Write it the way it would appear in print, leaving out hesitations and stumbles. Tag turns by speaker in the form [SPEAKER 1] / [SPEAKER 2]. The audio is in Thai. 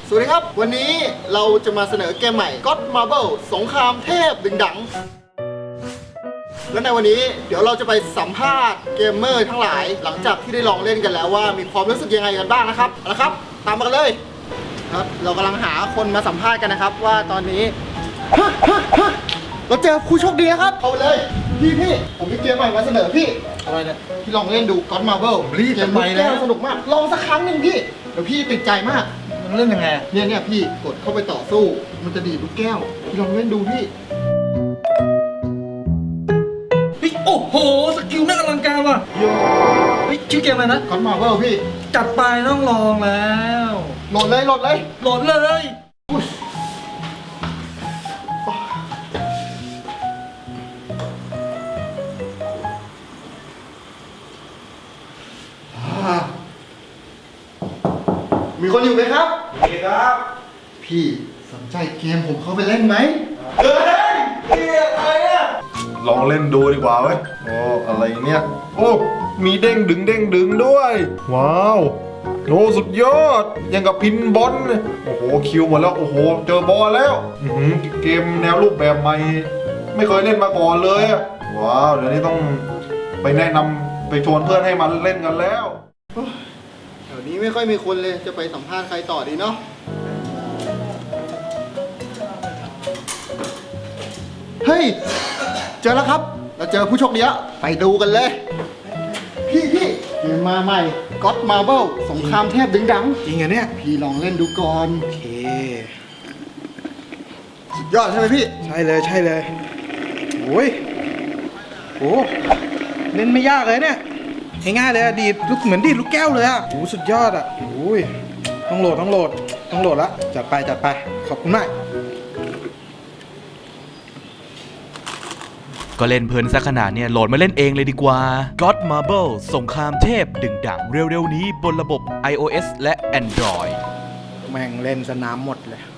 [SPEAKER 1] สวัสดีครับวันนี้เราจะมาเสนอเกมใหม่ God Marble สงครามเทพดึงดังและในวันนี้เดี๋ยวเราจะไปสัมภาษณ์เกมเมอร์ทั้งหลายหลังจากที่ได้ลองเล่นกันแล้วว่ามีความรู้สึกยังไงกันบ้างนะครับเอาละครับตามมากันเลยครับเรากำลังหาคนมาสัมภาษณ์กันนะครับว่าตอนนี้เราเจอผู้โชคดีนะครับเอาไปเลยพี่ผมมีเกมใหม่มาเสนอพี่อะไรเนี่ยพี่ลองเล่นดู God Marble
[SPEAKER 2] รีบจะไปแล้ว
[SPEAKER 1] สนุกมากลองสักครั้งหนึ่งพี่เดี๋ยวพี่ติดใจมาก
[SPEAKER 2] มันเล่นยังไง
[SPEAKER 1] เนี่ยพี่กดเข้าไปต่อสู้มันจะดีดลูกแก้วพี่ลองเล่นดูพี่
[SPEAKER 2] เฮ้ยโอ้โหสกิลน่าอลังการว่ะโยเฮ้ยชื่อเกมอะไรนะ
[SPEAKER 1] God Marble พี่
[SPEAKER 2] จัดไปต้องลองแล้ว
[SPEAKER 1] โหลดเลย
[SPEAKER 2] โหลดเลย
[SPEAKER 1] อุ๊ยมีคนอยู่ไหมครับ
[SPEAKER 2] มีครับ
[SPEAKER 1] พี่สนใจเกมผมเข้าไปเล่นไหม
[SPEAKER 2] เฮ้ยนี่อะไรอ่ะ
[SPEAKER 3] ลองเล่นดูดีกว่าเว้ย โอ้ อะไรเนี่ย โอ้ มีเด้งดึงด้วย ว้าวโอ้สุดยอด ยังกับพินบอลเลยโอ้โห คิวหมดแล้ว โอ้โห เจอบอลแล้วเกมแนวรูปแบบใหม่ ไม่เคยเล่นมาก่อนเลยอะว้าว เดี๋ยวนี้ต้องไปแนะนำไปชวนเพื่อนให้มันเล่นกันแล้ว
[SPEAKER 1] แถวนี้ไม่ค่อยมีคนเลยจะไปสัมภาษณ์ใครต่อดีเนาะเฮ้ยเจอแล้วครับเราเจอผู้โชคดีแล้วไปดูกันเลย พี่เกมมาใหม่ God Marble สงครามเทพดึงดัง
[SPEAKER 2] จริงเหรอเนี่ย
[SPEAKER 1] พี่ลองเล่นดูก่อน
[SPEAKER 2] โอเค
[SPEAKER 1] สุดยอดใช่ไหมพี่
[SPEAKER 2] ใช่เลยโอ้ยโอ้เล่นไม่ยากเลยเนี่ยง่ายๆเลยอะดีดลูกเหมือนดีดลูกแก้วเลยอะโอ้สุดยอดอะโอ้ยต้องโหลดละจัดไปขอบคุณมาก
[SPEAKER 4] ก็เล่นเพลินซะขนาดเนี่ยโหลดมาเล่นเองเลยดีกว่า God Marble สงครามเทพดึงดังเร็วๆนี้บนระบบ iOS และ Android
[SPEAKER 2] แม่งเล่นสนามหมดเลย